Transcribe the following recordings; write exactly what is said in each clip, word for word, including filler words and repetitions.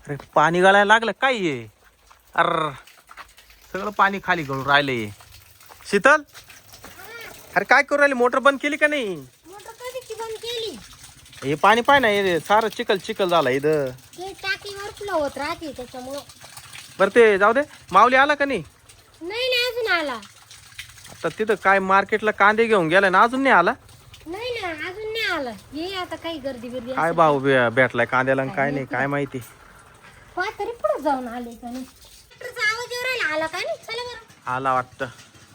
अरे पाणी गळायला लागलं काय ये अर सगळं पाणी खाली गळून राहिलंय. शीतल अरे काय करू राहिली मोटर बंद केली का नाही? मोटर कधीची बंद केली. हे पाणी पाय ना हे सारं चिखल चिखल झालं इथं. ते टाकीवर फ्लो होत राहते त्याच्यामुळं. बरं ते जाऊ दे. माऊली आला का नाही? नाही ना अजून आला. आता तिथं काय मार्केटला कांदे घेऊन गेलाय ना अजून नाही आला? नाही ना अजून नाही आला. ये आता काही गर्दी गर्दी काय भाऊ बे- भेटलाय कांद्याला आणि काय नाही काय माहिती. पहा तरी पुढे जाऊन आले का नाही. ट्रॅक्टरचा आवाज येऊ राहिला. आला का नाही? चला बरं. आला वाटतं.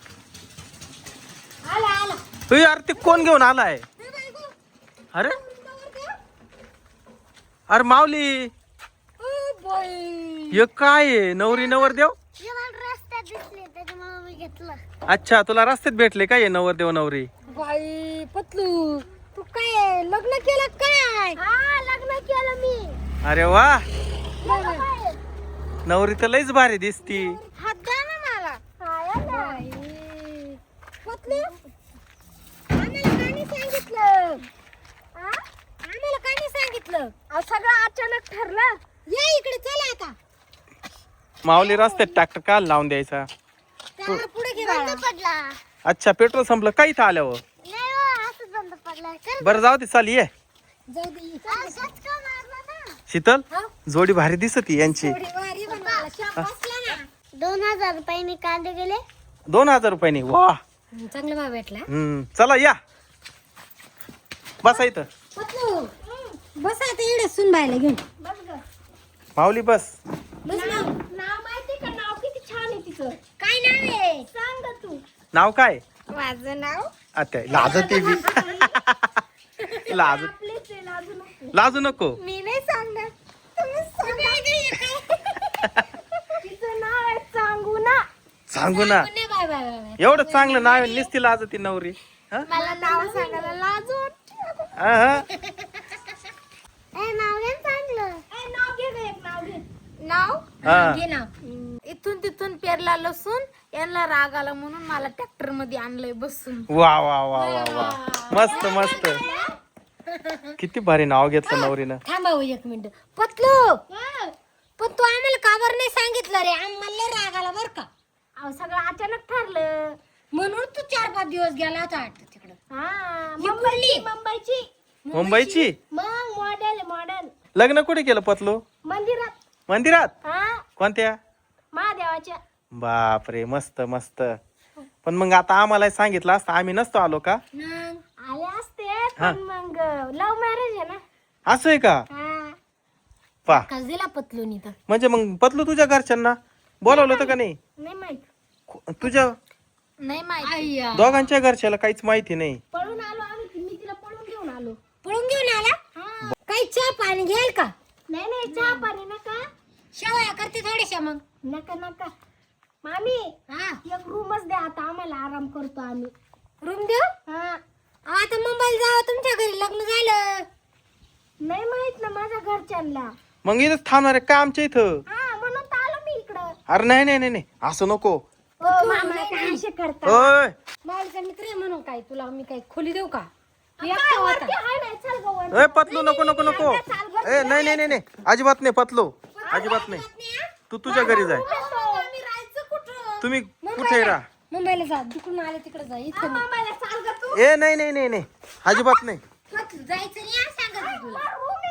आला आला. तुझी अरे ते कोण घेऊन आलाय? हे बायको. अरे नवर देव. अरे माऊली ओ बाई. हे काय आहे? नवरी नवर देव? हे मला रस्त्यात दिसले त्याच्यामुळे मी घेतलं. अच्छा तुला रस्त्यात भेटले काय नवर देव नवरी? बाई पतलू तू काय लग्न केलं काय? हा लग्न केलं मी. अरे वा बाई. नवरी तर लईच भारी दिसती. हात द्या ना मला. बाई. पतलू आम्हाला कानी सांगितलं? आ? आम्हाला कानी सांगितलं? अहो सगळं अचानक ठरलं. या इकडे चला आता. माऊली रस्त्यात ट्रॅक्टर काल लावून द्यायचा. त्यावर पुढे घे बंद पडला. अच्छा पेट्रोल संपलं काय इथं आल्यावर? नाही हो असं बंद पडला. बरं जाऊ दे चाल ये. जाऊ दे. असंच का मारला ना? शीतल हा? जोडी भारी दिसती यांची. थोडी वारी बनवायला शाप बसला ना. दोन हजार रुपयाने कांदे गेले. दोन हजार रुपयानी वा. चांगला भाव भेटला. हम्म चला या बसा इथं. पतलू बस आता इकडे सुनबाईला घेऊन बस ग. माऊली बस. बस नाव नाव माहिती का? नाव किती छान आहे तिचं. काय नाव आहे सांग ग तू. नाव काय? माझं नाव आता लाजते बी. लाज आपलेच आहे, लाजू नको. लाजू नको. मी नाही सांगणार. तुम्ही सांगा. तिचं नाव आहे सांगू ना. सांगू ना. नाही बाय बाय बाय. एवढं चांगलं नाव आहे, नुसती लाजती नवरी. हा? मला नाव सांगायला लाज वाटते. हा, हा. ए नाव घे चांगलं. ए नाव घे ग एक नाव घे. नाव हा. घे नाव. इथून तिथून पेरला लसून यांना राग आला म्हणून मला ट्रॅक्टर मध्ये आणलंय बसून. वा वा वा वा वा मस्त मस्त. किती भारी नाव घेतलं नवरीनं. थांबा हो एक मिनिट. पतलू पण तू आम्हाला का बरं नाही सांगितलं रे? आम्हाला राग आला बर का. अहो सगळं अचानक ठरलं म्हणून तू चार पाच दिवस गेला होता वाटतं तिकडं. हा मुंबईची मुंबईची मुंबईची मग मॉडेल मॉडेल लग्न कुठे केलं पतलू? मंदिरात. मंदिरात? हा कोणत्या? महादेवाच्या. बापरे मस्त मस्त. पण मग आता आम्हाला सांगितलं असतं आम्ही नसतो आलो का? मग आले असते पण मग लव्ह मॅरेज आहे ना. असं आहे का? हा पा कस दिला पतलूनी तर. म्हणजे मग पतलू तुझ्या घरच्यांना बोलावलं होतं का नाही? नाही माहित. खु- तुझ्या नाही माहित. दोघांच्या घरच्याला काहीच माहिती नाही. पळून आलो आम्ही. मी तिला पळून घेऊन आलो. पळून घेऊन आला? काही चहा पाणी घेईल का? नाही नाही चहा पाणी नका. शेवया करते थोड्याशा मग. नका नका मामी. हा एक रूमच द्या आता आम्हाला आराम करतो आम्ही. रूम देऊ? हा आता मुंबईला जावं तुमच्या घरी लग्न झालं. नाही माहित ना माझ्या घरच्यांना. मग इथं थांबणार आहे का आमच्या इथं? हा म्हणून तर आलो मी इकडं. अरे नाही नाही नाही नाही असं नको. मामा काय असे करता? ओय मावळीचा मित्र आहे म्हणून काय तुला मी काय खोली देऊ का? एकटा होता. ए पतलू नको नको नको. ए नाही नाही नाही नाही अजिबात नाही पतलू अजिबात नाही. तू तुझ्या घरी जाय. तुम्ही कुठे राहा? मुंबईला जा. तिकडून आले तिकडे जा. इथं नाही. ए नाही नाही नाही नाही अजिबात नाही. जायचं नाही हा, सांगत तुला.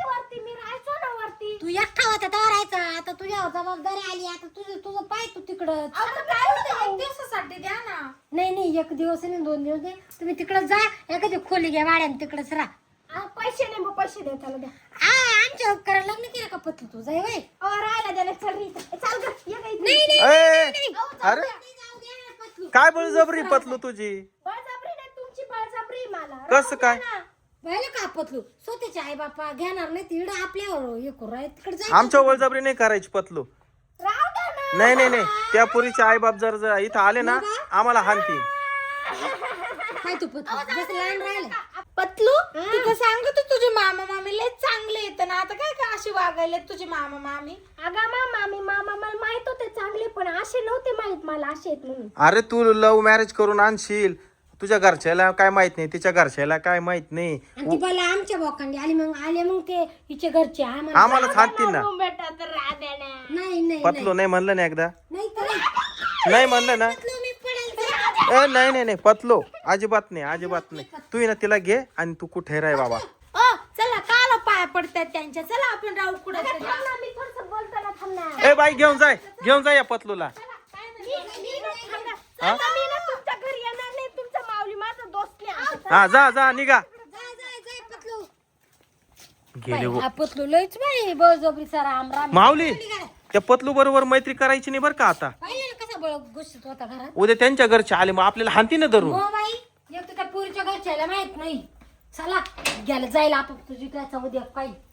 तू एकटा होता तेव्हा राहायचा. आता तुझ्यावर जबाबदारी आली. आता तुझं तुझं पाय तू तिकडं. दिवसासाठी द्या ना. नाही नाही एक दिवस नाही दोन दिवस नाही. तुम्ही तिकडं जा. एखादी खोली घ्या भाड्याने तिकडच राहा. पैसे नाही मग पैसे द्या त्याला द्या. हा आमच्या उपकारा लग्न केलं का पतलू तू जाय वय. राहायला द्यायला चल रे. चाल ग. नाही नाही ए अरे जाऊ दे ना पतलू. काय बळजबरी पतलू तुझी? बळजबरी नाही तुमची बळजबरी मला. कसं काय? व्हायला का पतलू? स्वतःचे आई बापा घेणार नाही तिकडे आपल्यावर हे करू राहिले तिकडे जा. आमच्या बळजबरी नाही करायची पतलू. राहू द्या ना. नाही नाही नाही त्या पुरीचे आई बाप जर जर इथं आले ना आम्हाला हानतील. काय तू पतलू जसं लहान राहिले. पतलू तिथं सांगत होती तुझे मामा मामी लय चांगले येत ना. आता काय का अशी वागायला तुझे मामा मामी? अगं मामा मी मामा मला माहित होते चांगले पण असे नव्हते माहित मला असे आहेत म्हणून. अरे तू लव्ह मॅरेज करून आणशील तुझ्या घरच्याला काय माहित नाही तिच्या घरच्याला काय माहित नाही. आणि ती मला आमच्या बोकांडी आली मग आले मग ते हिचे घरचे आम्हाला आम्हाला हानतील ना. बेटा तर राग नाही पतलो नाही म्हणलं ना एकदा नाही तर नाही म्हणलं ना पतलू मी पडेल ए नाही नाही नाही पतलो अजिबात नाही अजिबात नाही तू ये ना तिला घे आणि तू कुठे राह बाबा ओ चला काला पाया पडतात त्यांच्या चला आपण राहू कुठं तरी. मी थोडस बोलताना थांबणार ए बाई घेऊन जाय घेऊन जाय या पतलूला हा? मी ना तुमच्या घरी येणार नाही तुमचा माऊली माझा दोस्त नाही. हा जा जा निघा जाय जाय जाय पतलू गेले हो. हा पतलू लयच बाई बळजबरी सर राम राम माऊली त्या पतलू बरोबर मैत्री करायची नाही बरं का आता पाहिलं ना कसा बळ गोष्टीत होता घरात उद्या त्यांच्या घरचे आले मग आपल्याला हानती ना धरून हो बाई एक तर त्या पुरीच्या घरच्याला माहित नाही चला गेलं जायला आपण तुझी त्याचा उद्या काही